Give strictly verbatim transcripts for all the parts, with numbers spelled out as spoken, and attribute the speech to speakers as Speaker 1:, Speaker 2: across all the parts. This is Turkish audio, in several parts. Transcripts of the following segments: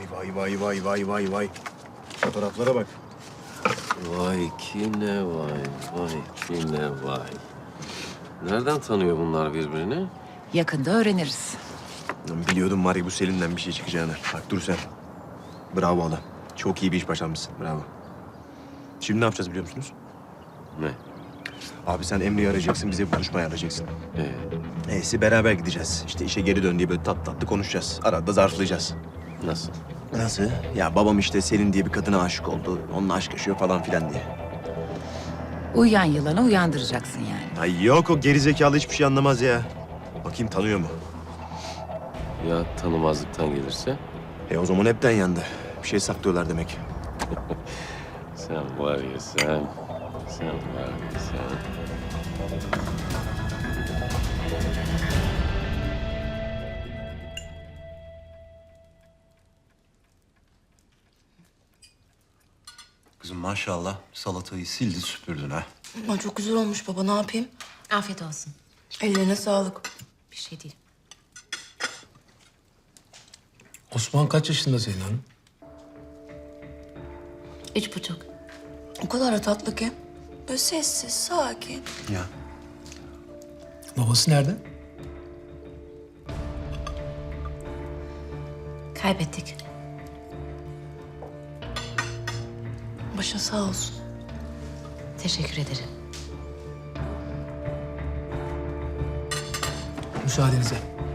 Speaker 1: vay vay vay vay vay vay. Fotoğraflara bak.
Speaker 2: Vay ki ne vay, vay ki ne vay. Nereden tanıyor bunlar birbirini?
Speaker 3: Yakında öğreniriz.
Speaker 1: Lan biliyordum var ya bu Selin'den bir şey çıkacağını. Bak dur sen. Bravo adam. Çok iyi bir iş başarmışsın. Bravo. Şimdi ne yapacağız biliyor musunuz?
Speaker 2: Ne?
Speaker 1: Abi sen Emre'yi arayacaksın, bize buluşma ayarlayacaksın.
Speaker 2: Ee,
Speaker 1: Neyse beraber gideceğiz. İşte işe geri dön diye böyle tatlı tatlı konuşacağız. Arada zarflayacağız.
Speaker 2: nasıl?
Speaker 1: Nasıl? Ya babam işte Selin diye bir kadına aşık oldu. Onunla aşk yaşıyor falan filan diye.
Speaker 3: Uyuyan yılanı uyandıracaksın yani.
Speaker 1: Ay yok o gerizekalı hiçbir şey anlamaz ya. Bakayım tanıyor mu?
Speaker 2: Ya tanımazlıktan gelirse?
Speaker 1: E o zaman hepten yandı. Bir şey saklıyorlar demek.
Speaker 2: Sen var ya sen, sen var ya sen.
Speaker 4: Kızım maşallah salatayı sildi süpürdün ha.
Speaker 5: Ama çok güzel olmuş baba, ne yapayım?
Speaker 6: Afiyet olsun.
Speaker 5: Ellerine sağlık.
Speaker 6: Bir şey değil.
Speaker 7: Osman kaç yaşında senin hanım?
Speaker 6: Üç buçuk.
Speaker 5: O kadar da tatlı ki. Böyle sessiz, sakin.
Speaker 4: Ya
Speaker 7: Babası nerede?
Speaker 6: Kaybettik.
Speaker 5: Başa sağ olsun.
Speaker 6: Teşekkür ederim.
Speaker 7: Müsaadenizle.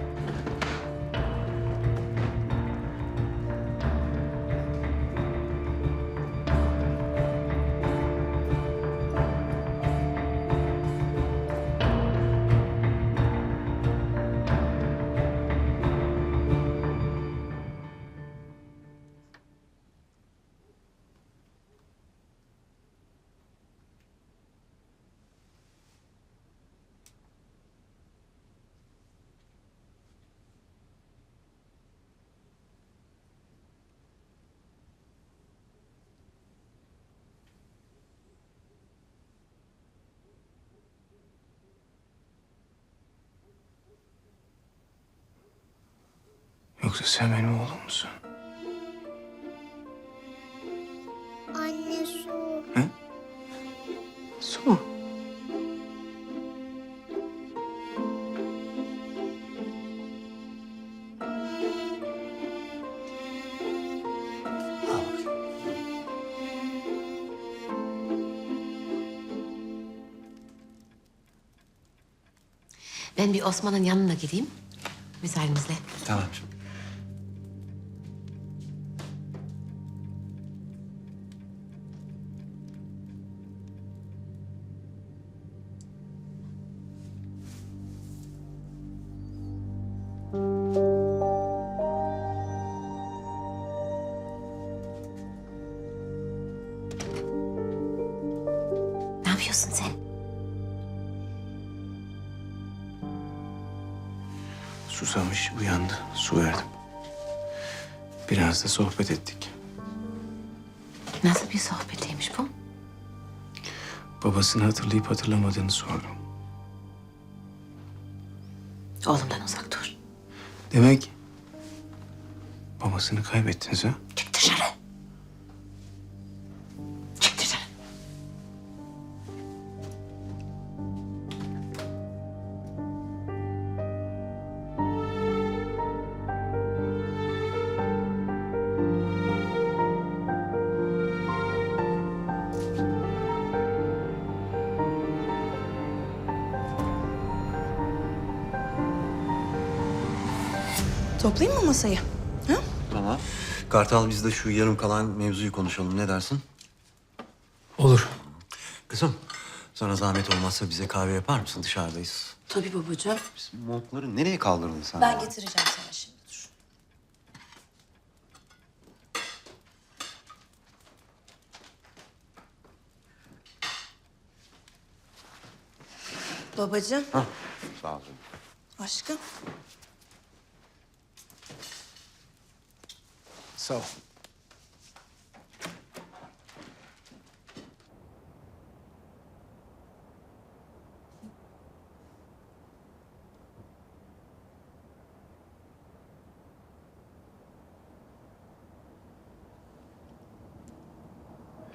Speaker 7: Yoksa sen benim oğlum musun?
Speaker 8: Anne su.
Speaker 7: Su. Al bakayım.
Speaker 6: Ben bir Osman'ın yanına gideyim. Müsaadenizle.
Speaker 4: tamam.
Speaker 6: Ne yapıyorsun sen?
Speaker 7: Susamış, uyandı. Su verdim. Biraz da sohbet ettik.
Speaker 6: Nasıl bir sohbetiymiş bu?
Speaker 7: Babasını hatırlayıp hatırlamadığını sordum.
Speaker 6: Oğlumdan uzak dur.
Speaker 7: Demek babasını kaybettiniz ha?
Speaker 6: Çık dışarı. Çık dışarı.
Speaker 5: Toplayayım mı masayı? Ha?
Speaker 4: Tamam. Kartal biz de şu yarım kalan mevzuyu konuşalım. Ne dersin?
Speaker 7: Olur.
Speaker 4: Kızım sana zahmet olmazsa bize kahve yapar mısın? Dışarıdayız.
Speaker 5: Tabii babacığım.
Speaker 4: Bizim montları nereye kaldırdın sen?
Speaker 5: Ben
Speaker 4: ya?
Speaker 5: getireceğim sana şimdi, dur. Babacığım,
Speaker 4: Hah, sağ ol.
Speaker 5: aşkım.
Speaker 7: Sağ ol.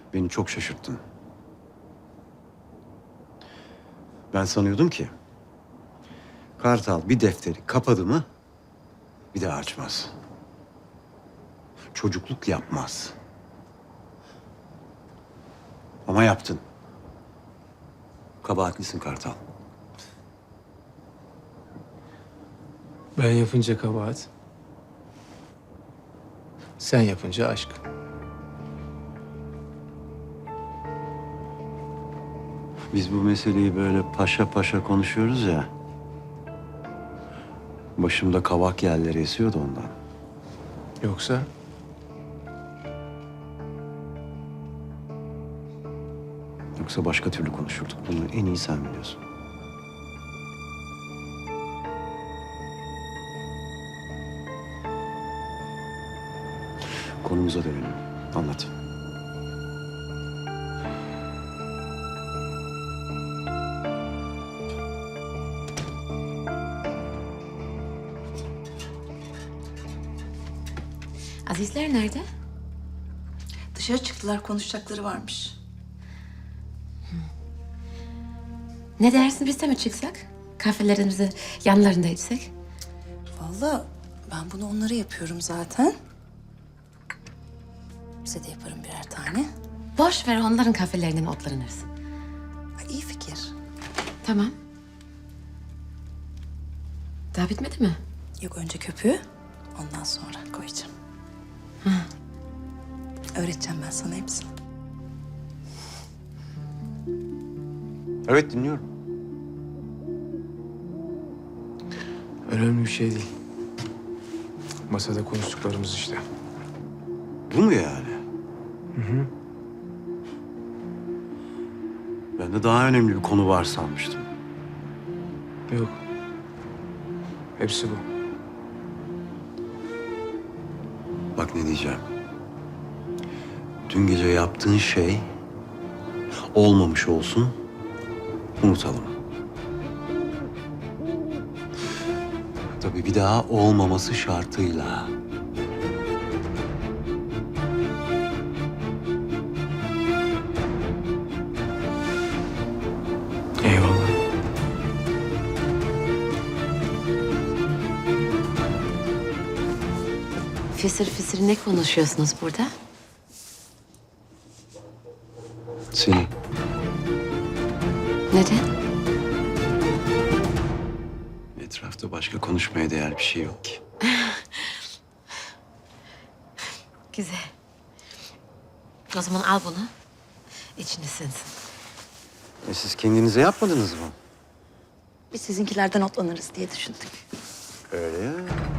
Speaker 4: Beni çok şaşırttın. Ben sanıyordum ki Kartal bir defteri kapadı mı bir daha açmaz. Çocukluk yapmaz. Ama yaptın. Kabahatlisin Kartal.
Speaker 7: Ben yapınca kabahat. Sen yapınca aşk.
Speaker 4: Biz bu meseleyi böyle paşa paşa konuşuyoruz ya. Başımda kavak yerleri esiyordu ondan.
Speaker 7: Yoksa
Speaker 4: Yoksa başka türlü konuşurduk. Bunu en iyi sen biliyorsun. Konumuza dönelim. Anlat.
Speaker 6: Azizler nerede?
Speaker 5: Dışarı çıktılar, konuşacakları varmış.
Speaker 6: Ne dersin biz de mi çıksak? Kahvelerimizi yanlarında içsek?
Speaker 5: Vallahi ben bunu onlara yapıyorum zaten. Size de yaparım birer tane.
Speaker 6: Boş ver onların kahvelerinden otlanırız.
Speaker 5: Ay, iyi fikir.
Speaker 6: Tamam. Daha bitmedi mi?
Speaker 5: Yok, önce köpüğü, ondan sonra koyacağım. Öğreteceğim ben sana hepsini.
Speaker 4: Evet dinliyorum.
Speaker 7: önemli bir şey değil. Masada konuştuklarımız işte.
Speaker 4: Bu mu yani? Hı hı. Ben de daha önemli bir konu var sanmıştım.
Speaker 7: Yok. Hepsi bu.
Speaker 4: Bak ne diyeceğim. Dün gece yaptığın şey olmamış olsun, unutalım. Tabii bir daha olmaması şartıyla.
Speaker 7: Eyvallah.
Speaker 6: Fısır fısır ne konuşuyorsunuz burada?
Speaker 4: Seni.
Speaker 6: Neden?
Speaker 4: Etrafta başka konuşmaya değer bir şey yok ki.
Speaker 6: Güzel. O zaman al bunu. İçine sinsin.
Speaker 4: E siz kendinize yapmadınız mı?
Speaker 5: Biz sizinkilerden otlanırız diye düşündük.
Speaker 4: Öyle ya.